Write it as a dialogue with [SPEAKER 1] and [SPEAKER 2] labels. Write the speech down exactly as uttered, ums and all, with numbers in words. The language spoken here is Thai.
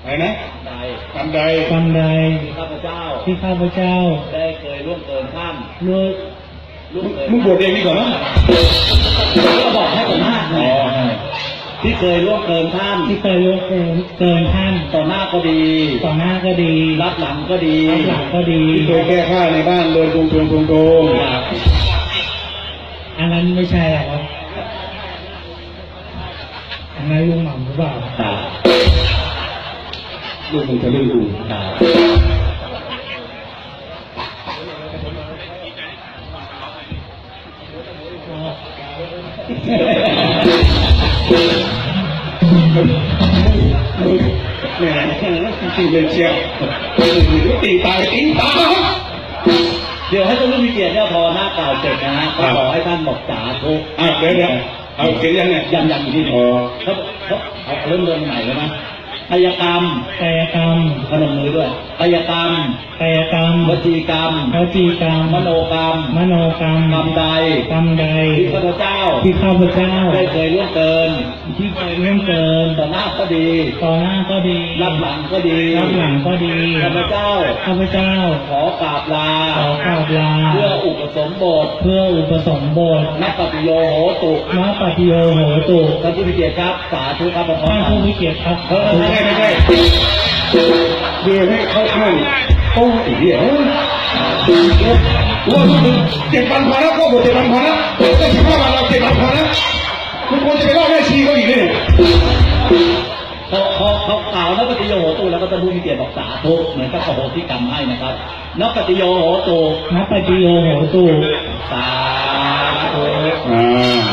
[SPEAKER 1] อะไรนะ
[SPEAKER 2] ใด
[SPEAKER 1] กรรมใด
[SPEAKER 3] กรรมใด
[SPEAKER 2] ที่ข้าพเจ้า
[SPEAKER 3] ที่ข้าพเจ้า
[SPEAKER 2] ได้เคยล่วงเกินท่าน
[SPEAKER 3] ล่วง
[SPEAKER 2] ล่วงเกิน
[SPEAKER 1] มึงบวชเองดีกว่ามั้ง
[SPEAKER 2] ก็บอกให้ผมห้าไงที่เคยล่วงเกินท่าน
[SPEAKER 3] ที่เคยล่วงเกินเกินท่าน
[SPEAKER 2] ต่อหน้าก็ดี
[SPEAKER 3] ต่อหน้าก็ดี
[SPEAKER 2] รับหลังก็ดี
[SPEAKER 3] รับหลังก็ดี
[SPEAKER 1] ที่เคยแก้ผ้าในบ้านเดินตรงตรงตรงตรง
[SPEAKER 3] อันนั้นไม่ใช่หรอกครับอันนั้นลุงหม่ำหรือเปล่า
[SPEAKER 2] ครับ
[SPEAKER 1] ลูกมึงจะเรื่องดู
[SPEAKER 2] ครับ
[SPEAKER 1] แหมจริงเลยเชียวตีตายตีตา
[SPEAKER 2] เดี๋ยวให้ท่านผู้มีเกียรติเนี่ยพอหน้ากล่าวเสร็จนะฮะก็ขอให้ท่านบอกสาธุ
[SPEAKER 1] อ่ะเดี๋ยวเดี๋ยวเอาเขียนยังเนี่ย
[SPEAKER 2] ยังยังอยู่ที่นี่
[SPEAKER 1] อ๋อ
[SPEAKER 2] เขาเขาเอาเริ่มเริ่มใหม่เลยนะกายกรรม
[SPEAKER 3] กายกรรม
[SPEAKER 2] พนมมือด้วยกายกรรม
[SPEAKER 3] กายกรรม
[SPEAKER 2] วจีกรรม
[SPEAKER 3] วจีกรรม
[SPEAKER 2] มโนกรรม
[SPEAKER 3] มโนกรรม
[SPEAKER 2] กรรมใด
[SPEAKER 3] กรรมใด
[SPEAKER 2] ที่ข้าพเจ้า
[SPEAKER 3] ที่ข้าพเจ้า
[SPEAKER 2] ได้เคยล่วงเกิน
[SPEAKER 3] ที่เคยล่วงเกิน
[SPEAKER 2] ต่อหน้าก็ดี
[SPEAKER 3] ต่อหน้าก็ดี
[SPEAKER 2] รับหลังก็ดี
[SPEAKER 3] รับหลังก็ดี
[SPEAKER 2] ข้าพเจ้า
[SPEAKER 3] ข้าพเจ้า
[SPEAKER 2] ขอกราบลา
[SPEAKER 3] ขอกราบลา
[SPEAKER 2] เพื่ออุปสมบท
[SPEAKER 3] เพื่ออุปสมบท
[SPEAKER 2] นักปฏิโยโหตุ
[SPEAKER 3] ณปฏิโยโหตุ
[SPEAKER 2] ท่านผู้มีเกียรติครับสาธุครับพร้อม
[SPEAKER 3] ท่าน
[SPEAKER 2] ๆกั
[SPEAKER 3] ผู้
[SPEAKER 2] น
[SPEAKER 3] มีเกียรติครับ
[SPEAKER 1] เออไม่ใช่ไม่ใช่เดี๋ยวให้เข้าข้างโอ้ยเดี๋ยวว่าเจ็ดพันพอแล้วก็บวชเจ็ดพันพอแล้วได้สิบห้าวันเราเจ็ดพันพอแล้วคุณควรจะไปเล่าแม่ชีเขาอีกเนี่ย
[SPEAKER 2] เขาเขาเขากล่าวนักปฏิโยโหตุแล้วก็ท่านผู้มีเกียรติบอกสาธุเหมือนกับโหติกรรมให้นะครับนักปฏิโยโหตุ
[SPEAKER 3] ณปฏิโยโหตุ
[SPEAKER 2] สาธุ
[SPEAKER 1] อ่า